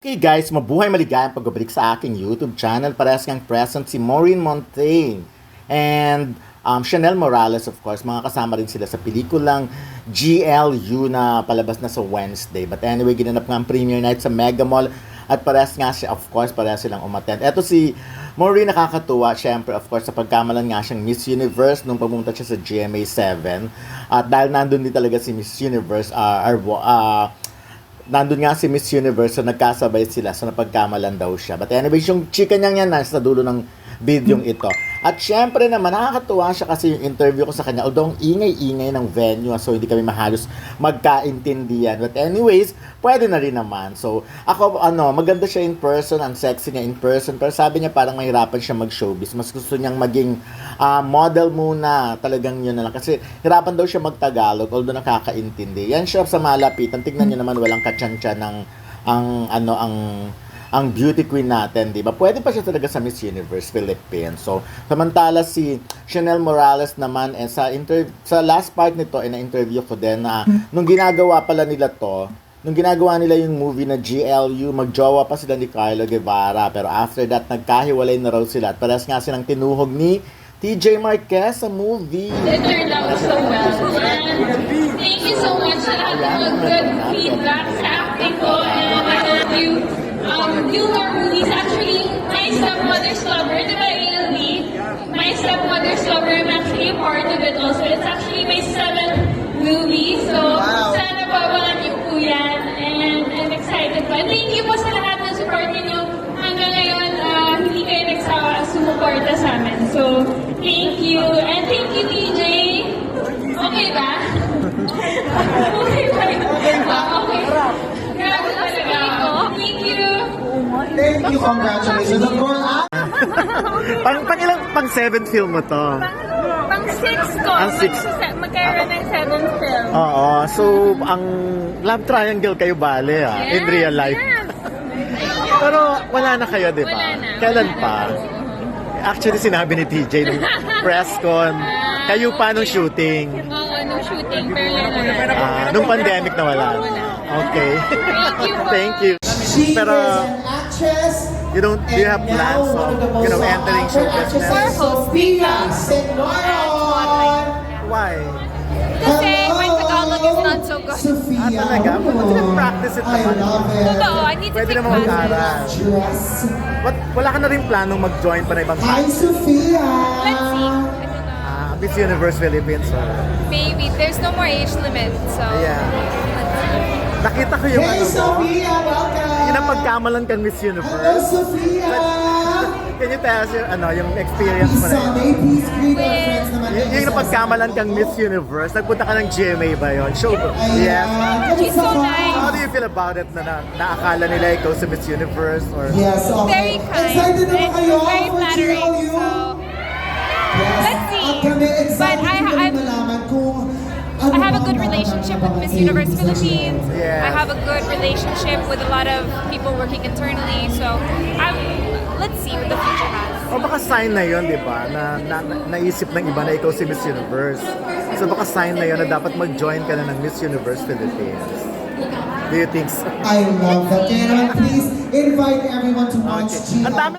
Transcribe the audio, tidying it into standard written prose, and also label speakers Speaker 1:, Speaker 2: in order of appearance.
Speaker 1: Okay guys, mabuhay maligayang pagbabalik sa aking YouTube channel. Parehas ngang present si Maureen Montaigne and Chanel Morales, of course. Mga kasama rin sila sa pelikulang GLU na palabas na sa Wednesday. But anyway, ginanap nga ang premiere night sa Mega Mall at parehas nga siya, of course, parehas silang umattend. Eto si Maureen, nakakatuwa, syempre, of course, sa pagkamalan nga siyang Miss Universe nung pumunta siya sa GMA7. At dahil nandun din talaga si Miss Universe, nandun nga si Miss Universe, so nagkasabay sila, so napagkamalan daw siya. But anyway, yung chika niya yan nasa dulo ng videong ito. At syempre naman, nakakatuwa siya kasi yung interview ko sa kanya, although ang ingay-ingay ng venue, so hindi kami mahalos magkaintindihan. But anyways, pwede na rin naman. So, ako, maganda siya in person, ang sexy niya in person, pero sabi niya parang mahirapan siya mag-showbiz. Mas gusto niyang maging model muna, talagang yun na lang. Kasi hirapan daw siya mag-Tagalog, although nakakaintindi. Yan siya sa malapitan. Tignan niyo naman, walang katsantsa ng ang beauty queen natin, di ba? Pwede pa siya talaga sa Miss Universe Philippines. So, samantala si Chanel Morales naman, sa last part nito, na-interview ko din na nung ginagawa pala nila to, nung ginagawa nila yung movie na GLU, magjowa pa sila ni Carlo Guevara. Pero after that, nagkahiwalay na raw sila. At parehas nga silang tinuhog ni TJ Marquez sa movie.
Speaker 2: It turned out so well. And thank you so much sa lahat ng good feedback sa acting ko. And I hope you view more movies. Actually, my stepmother's lover, di ba ALB? My stepmother's lover, I'm actually a part of it also. It's actually my 7th movie. So, sana pabangan niyo po yan. And I'm excited pa. Thank you po sa lahat ng support niyo. Hanggang ngayon, hindi kayo nagsawa sumuporta sa amin. So, thank you. And thank you, DJ. Okay ba? Okay ba? Okay. Grabe talaga. Thank you.
Speaker 3: Thank you, congratulations. Of course,
Speaker 1: pang 7th film mo to?
Speaker 2: Pang 6 ko.
Speaker 1: Ang six.
Speaker 2: Magkaroon ng 7th film.
Speaker 1: Oo, so ang love triangle kayo bale in real life.
Speaker 2: Yes.
Speaker 1: Pero wala na kayo, di ba?
Speaker 2: Wala na.
Speaker 1: Kailan pa? Actually, sinabi ni TJ nung press con, kayo pa nung shooting?
Speaker 2: Oo, nung shooting. Pero wala.
Speaker 1: Nung pandemic na wala? Okay. Thank you. Pero, do you have plans of, entering show business?
Speaker 3: Sophia Senoron.
Speaker 1: Why?
Speaker 2: Kasi my Tagalog is not so good.
Speaker 3: Sophia.
Speaker 1: Talaga? Pwede na practice it
Speaker 3: I
Speaker 1: naman.
Speaker 3: love it.
Speaker 2: Totoo, I need to
Speaker 1: Pwede
Speaker 2: take
Speaker 1: naman mag-aral.
Speaker 2: classes.
Speaker 3: Dress.
Speaker 1: Wala ka na rin planong mag-join pa na ibang
Speaker 3: Hi,
Speaker 1: class?
Speaker 3: Sophia.
Speaker 2: Let's see. I don't know.
Speaker 1: Miss Universe Philippines.
Speaker 2: Maybe. There's no more age limit, so...
Speaker 1: Yeah. Nakita ko yung
Speaker 3: Hey, Sophia, welcome.
Speaker 1: Yun ang pagkamalan kang Miss
Speaker 3: Hello,
Speaker 1: Universe.
Speaker 3: Sophia.
Speaker 1: Can you tell us yung experience mo na yun?
Speaker 3: Sunday, please greet our friends naman.
Speaker 1: Yung napagkamalan kang Miss Universe, nagpunta ka ng GMA ba yun? Show ko. Yes.
Speaker 2: She's so nice.
Speaker 1: How do you feel about it na naakala nila ikaw sa Miss Universe? Or
Speaker 3: Yes, okay.
Speaker 2: Very kind.
Speaker 3: Excited naman kayo
Speaker 2: Very
Speaker 3: for
Speaker 2: flattering.
Speaker 3: GLU?
Speaker 2: So,
Speaker 3: Yes.
Speaker 2: let's see.
Speaker 3: At kami excited
Speaker 2: But
Speaker 3: kami malaman kung ano
Speaker 2: I have a good
Speaker 3: ang
Speaker 2: relationship with
Speaker 3: mga
Speaker 2: Miss Universe
Speaker 3: aims
Speaker 2: Philippines.
Speaker 1: Yes.
Speaker 2: I have a good relationship with a lot of people working internally. So, let's see what the future has.
Speaker 1: o baka sign na yun, di ba? Na naisip ng iba na ikaw si Miss Universe. So baka sign na yun na dapat mag-join ka na ng Miss Universe Philippines. Do you think so?
Speaker 3: I love that. Kaya naman, please invite everyone to watch
Speaker 1: Okay. Ang
Speaker 3: GLU.
Speaker 1: dami